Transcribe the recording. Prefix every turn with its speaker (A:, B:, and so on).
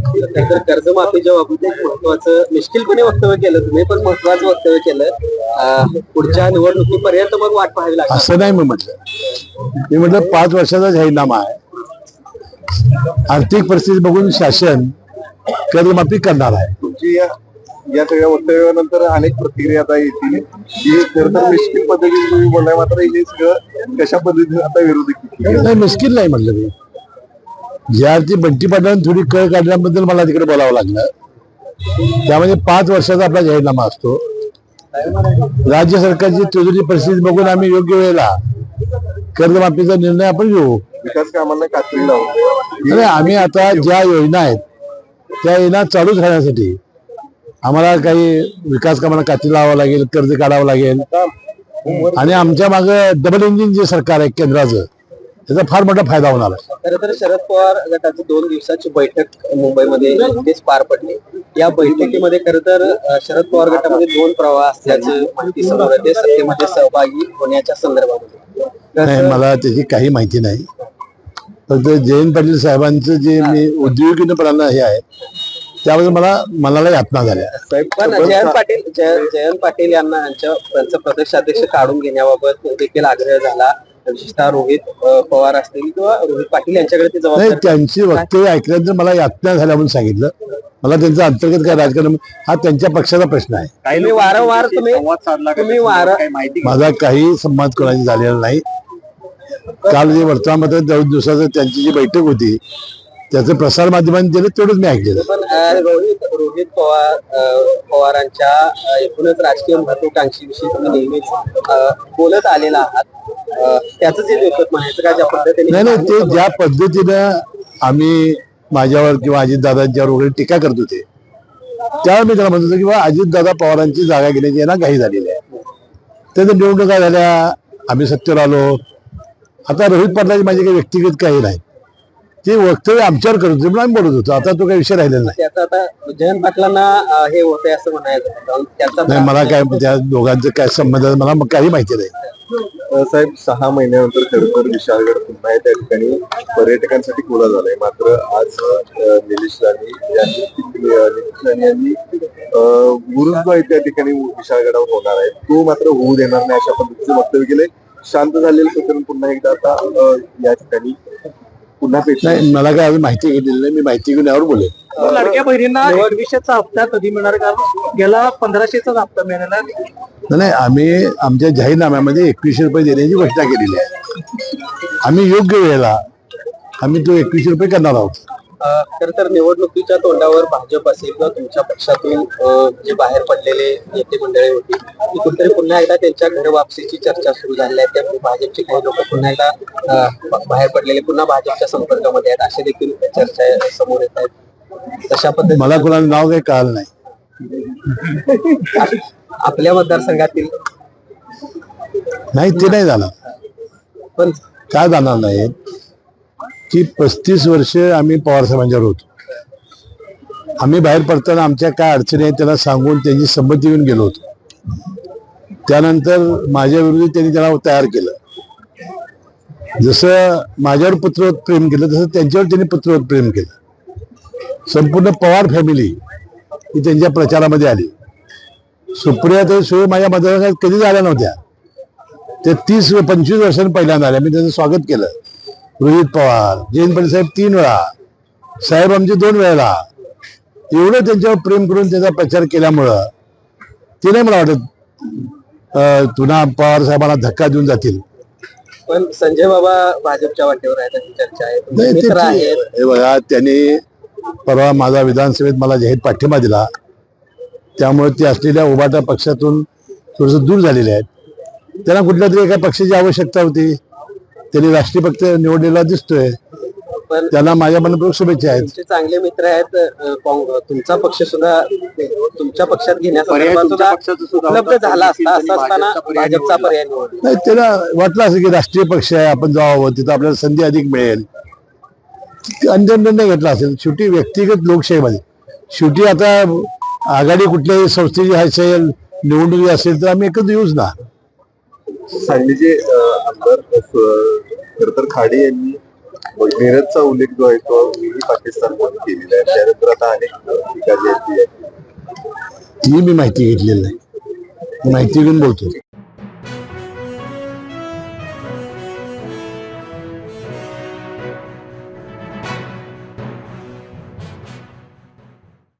A: तर कर्जमाफीच्या बाबतीत एक महत्वाचं मिश्किलपणे वक्तव्य केलं तुम्ही, पण महत्वाचं वक्तव्य केलं. पुढच्या निवडणुकीपर्यंत मग वाट पाहावी लागेल
B: असं नाही मी म्हटलं. मी म्हटलं 5 वर्षाचा जाहीरनामा आहे. आर्थिक परिस्थिती बघून शासन कर्जमाफी करणार आहे.
C: तुमची या सगळ्या वक्तव्यानंतर अनेक प्रतिक्रिया आता येतील की खरं तर मिश्किल पद्धतीने तुम्ही बोललाय, मात्र हे सगळं कशा पद्धतीने आता विरोधी
B: नाही, मिश्किल नाही म्हटलं मी. ज्या अर्थी बंटी पाटलांनी थोडी कळ काढल्याबद्दल मला तिकडे बोलावं लागलं. त्यामध्ये 5 वर्षाचा आपला जाहीरनामा असतो. राज्य सरकारची तिजोरी परिस्थिती बघून आम्ही योग्य वेळेला कर्जमाफीचा निर्णय आपण घेऊ.
C: विकास कामांना कात्री लावून
B: आणि आम्ही आता ज्या योजना आहेत त्या योजना चालूच राहण्यासाठी आम्हाला काही विकास कामांना कात्री लावावं लागेल, कर्ज काढावं लागेल. आणि आमच्या मागं डबल इंजिन जे सरकार आहे केंद्राचं, त्याचा फार मोठा फायदा होणार आहे.
A: खरं तर शरद पवार गटाची 2 दिवसाची बैठक मुंबईमध्ये नुकतीच पार पडली. या बैठकीमध्ये खरं तर शरद पवार गटामध्ये 2 प्रवाह असल्याचं माहिती समोर येते, सत्तेमध्ये सहभागी होण्याच्या संदर्भामध्ये.
B: नाही, मला त्याची काही माहिती नाही. फक्त जयंत पाटील साहेबांचं जे मी उद्योगिकपणाला हे आहे त्याबद्दल मला मनाला यातना झाल्या.
A: पण जयंत पाटील यांना त्यांचं प्रदेशाध्यक्ष काढून घेण्याबाबत देखील आग्रह झाला. विशेषतः रोहित पवार असतील किंवा रोहित पाटील यांच्याकडे ते
B: नाही,
A: जबाबदारी.
B: त्यांची वक्तव्य ऐकल्यानंतर मला यातना झाल्या म्हणून सांगितलं. मला त्यांचं अंतर्गत काय राजकारण हा त्यांच्या पक्षाचा प्रश्न आहे.
A: तुम्ही वारंवार
B: माझा काही संवाद कोणाशी झालेला नाही. काल जे वर्तमानपत्रात 2 दिवसाचं त्यांची जी बैठक होती त्याचं प्रसार माध्यमांनी दिलं तेवढंच मी ऐकलेलं.
A: पण रोहित पवारांच्या एकूणच राजकीय महत्वाकांक्षीविषयी तुम्ही नेहमीच बोलत आलेला आहात. त्याच जे लेखक म्हणायचं का ज्या पद्धतीने
B: नाही, ते ज्या पद्धतीनं आम्ही माझ्यावर किंवा अजितदादांच्यावर वगैरे टीका करत होते त्यावेळी मी त्याला म्हणत होतो किंवा अजितदादा पवारांची जागा घेण्याची यांना घाई झालेली आहे. त्याच्या निवडणुका झाल्या, आम्ही सत्तेवर आलो. आता रोहित पाटलाची माझी काही व्यक्तिगत काही नाही, ते वक्तव्य आमच्यावर करत होते म्हणून आम्ही बोलत होतो. आता तो काही विषय राहिलेला नाही.
A: त्याचा आता जयंत पाटलांना हे होतंय असं म्हणायचं
B: नाही, मला काय त्या दोघांचं काय संबंध आहे मला काही माहिती नाही.
C: साहेब 6 महिन्यानंतर खरं तर विशाळगड पुन्हा त्या ठिकाणी पर्यटकांसाठी खुला झालाय. मात्र आज निलेश राणे यांनी गुरुज जो आहे त्या ठिकाणी विशाळगडावर होणार आहे तो मात्र होऊ देणार नाही अशा पद्धतीचं वक्तव्य केलंय. शांत झालेलं प्रकरण पुन्हा एकदा आता या ठिकाणी पुन्हा
B: नाही, मला काय अजून माहिती घेतलेली नाही. मी माहिती घेऊन यावर बोलेन.
A: लाडक्या बहिणींना 2100चा हप्ता कधी मिळणार, कारण गेला 1500चा हप्ता मिळाला
B: नाही. आम्ही आमच्या जाहीरनाम्यामध्ये 2100 रुपये देण्याची घोषणा केलेली आहे. आम्ही योग्य वेळेला आम्ही तो 2100 रुपये करणार आहोत.
A: खरं तर निवडणुकीच्या तोंडावर भाजप असेल किंवा तुमच्या पक्षातून जे बाहेर पडलेले नेते मंडळी होती ती कुठेतरी पुन्हा एकदा त्यांच्या घर वापसीची चर्चा सुरू झाली आहे. त्यामुळे भाजपचे काही लोक पुन्हा एकदा बाहेर पडलेले पुन्हा भाजपच्या संपर्कामध्ये आहेत असे देखील चर्चा समोर येत आहेत. तशा पद्धतीने
B: मला कोणाला नाव काही कळलं नाही.
A: आपल्या मतदारसंघातील
B: नाही, ते नाही जाणार.
A: पण
B: काय जाणार नाही की 35 वर्ष आम्ही पवार साहेबांच्यावर होतो. आम्ही बाहेर पडताना आमच्या काय अडचणी आहेत त्याला सांगून त्यांची संमती घेऊन गेलो होतो. त्यानंतर माझ्या विरोधी त्यांनी त्याला तयार केलं. जसं माझ्यावर पुत्रवत प्रेम केलं तसं त्यांच्यावर त्यांनी पुत्रवत प्रेम केलं. संपूर्ण पवार फॅमिली ही त्यांच्या प्रचारामध्ये आली. सुप्रिया तर शिवाय माझ्या मतदारसंघात कधीच आल्या नव्हत्या. ते 30-25 वर्षांनी पहिल्यांदा आल्या. मी त्यांचं स्वागत केलं. रोहित पवार, जयंत पाटील साहेब 3 वेळा, साहेब आमचे 2 वेळेला, एवढं त्यांच्यावर प्रेम करून त्याचा प्रचार केल्यामुळं ते नाही मला वाटत पुन्हा पवार साहेबांना धक्का देऊन जातील.
A: पण संजय बाबा भाजपच्या वाटेवर आहेत अशी चर्चा आहे. मित्र आहेत.
B: हे बघा, त्यांनी परवा माझा विधानसभेत मला जाहीर पाठिंबा दिला. त्यामुळे ते असलेल्या उभाटा पक्षातून थोडस दूर झालेले आहेत. त्यांना कुठल्या तरी एका पक्षाची आवश्यकता होती. त्यांनी राष्ट्रीय पक्ष निवडलेला दिसतोय.
A: पण
B: त्यांना माझ्या मनपूर्वक शुभेच्छा आहेत.
A: तुमचे चांगले मित्र आहेत. तुमचा पक्ष सुद्धा तुमच्या पक्षात घेण्याचा उपलब्ध झाला असता. असं असताना भाजपचा पर्याय निवडला.
B: नाही, त्याला वाटलं असं की राष्ट्रीय पक्ष आहे, आपण जावं, तिथं आपल्याला संधी अधिक मिळेल. अंतिम निर्णय घेतला असेल. शेवटी व्यक्तिगत लोकशाहीमध्ये शेवटी आता आघाडी कुठल्याही संस्थेची असेल, निवडणुकी असेल तर आम्ही एकत्र येऊच ना.
C: सांगलीचे आमदार खरं तर खाडे यांनी मिरजचा उल्लेख जो आहे तो मीही पाकिस्तानमध्ये केलेला आहे. त्यानंतर आता अनेक ठिकाणी आहेत
B: ती मी माहिती घेतलेली नाही, माहिती घेऊन बोलतो.